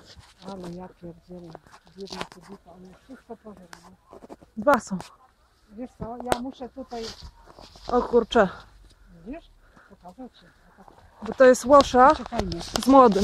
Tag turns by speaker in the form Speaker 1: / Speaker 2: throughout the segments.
Speaker 1: Ale ja pierdzielę. Biedna kobieta, ona wszystko pożera.
Speaker 2: Dwa są.
Speaker 1: Wiesz co, ja muszę tutaj,
Speaker 2: O kurczę.
Speaker 1: widzisz, pokazać ci.
Speaker 2: Bo to jest łosza
Speaker 1: Czekajmy.
Speaker 2: z młodym.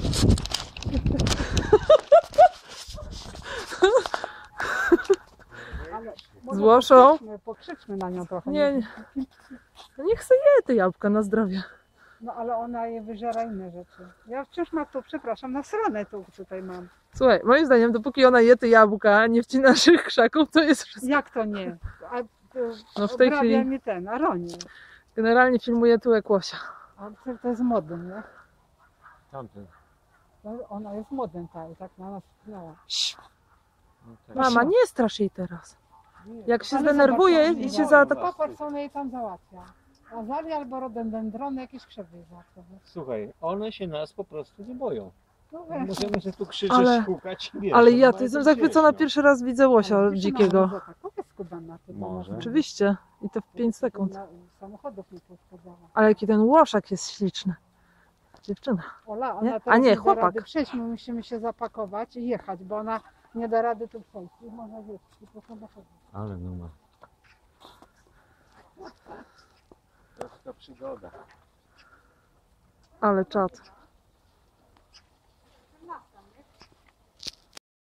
Speaker 1: Ale
Speaker 2: Z łoszą?
Speaker 1: pokrzyczmy na nią trochę.
Speaker 2: Nie. No niech se je te jabłka na zdrowie.
Speaker 1: No ale ona je wyżera inne rzeczy. Ja wciąż mam tu, przepraszam, na stronę tu tutaj mam.
Speaker 2: Słuchaj, moim zdaniem, dopóki ona je te jabłka, nie wcina naszych krzaków, to jest wszystko.
Speaker 1: Jak to nie? A,
Speaker 2: No w tej chwili
Speaker 1: mnie ten, Aronie.
Speaker 2: generalnie filmuję tyłek łosia.
Speaker 1: A to jest modem, nie?
Speaker 3: Tamten.
Speaker 1: Ona jest modem, tak na nas wpłynęła.
Speaker 3: No tak.
Speaker 2: Mama, nie strasz jej teraz. Jak się
Speaker 1: Ale
Speaker 2: zdenerwuje
Speaker 1: zobacz,
Speaker 2: i cię zaatakuje.
Speaker 1: Popatrz, co ona jej tam załatwia. Azalia albo rododendrony, jakieś krzewy załatwia.
Speaker 3: Słuchaj, one się nas po prostu nie boją.
Speaker 1: No weź.
Speaker 3: Możemy się tu krzyczeć,
Speaker 2: Ale-
Speaker 3: hukać i wiesz.
Speaker 2: Ale
Speaker 3: one
Speaker 2: ja
Speaker 3: mają
Speaker 2: to jestem
Speaker 3: to
Speaker 2: zachwycona,
Speaker 3: gdzieś, no.
Speaker 2: pierwszy raz widzę łosia
Speaker 1: Ale wiesz,
Speaker 2: dzikiego.
Speaker 1: mama, tak, powiedz Kubana, to
Speaker 3: Może.
Speaker 1: można-
Speaker 2: Oczywiście. I to w 5 sekund.
Speaker 1: Samochodów nie poszkodowało.
Speaker 2: Ale jaki ten łoszak jest śliczny. Dziewczyna.
Speaker 1: Ola, ona
Speaker 2: Nie?
Speaker 1: teraz
Speaker 2: A nie,
Speaker 1: nie da
Speaker 2: chłopak.
Speaker 1: rady przejść, my musimy się zapakować i jechać, bo ona nie da rady tu przejść. I można wiesz, i po samochodzie.
Speaker 3: Ale no ma. To jest ta przygoda.
Speaker 2: Ale czad.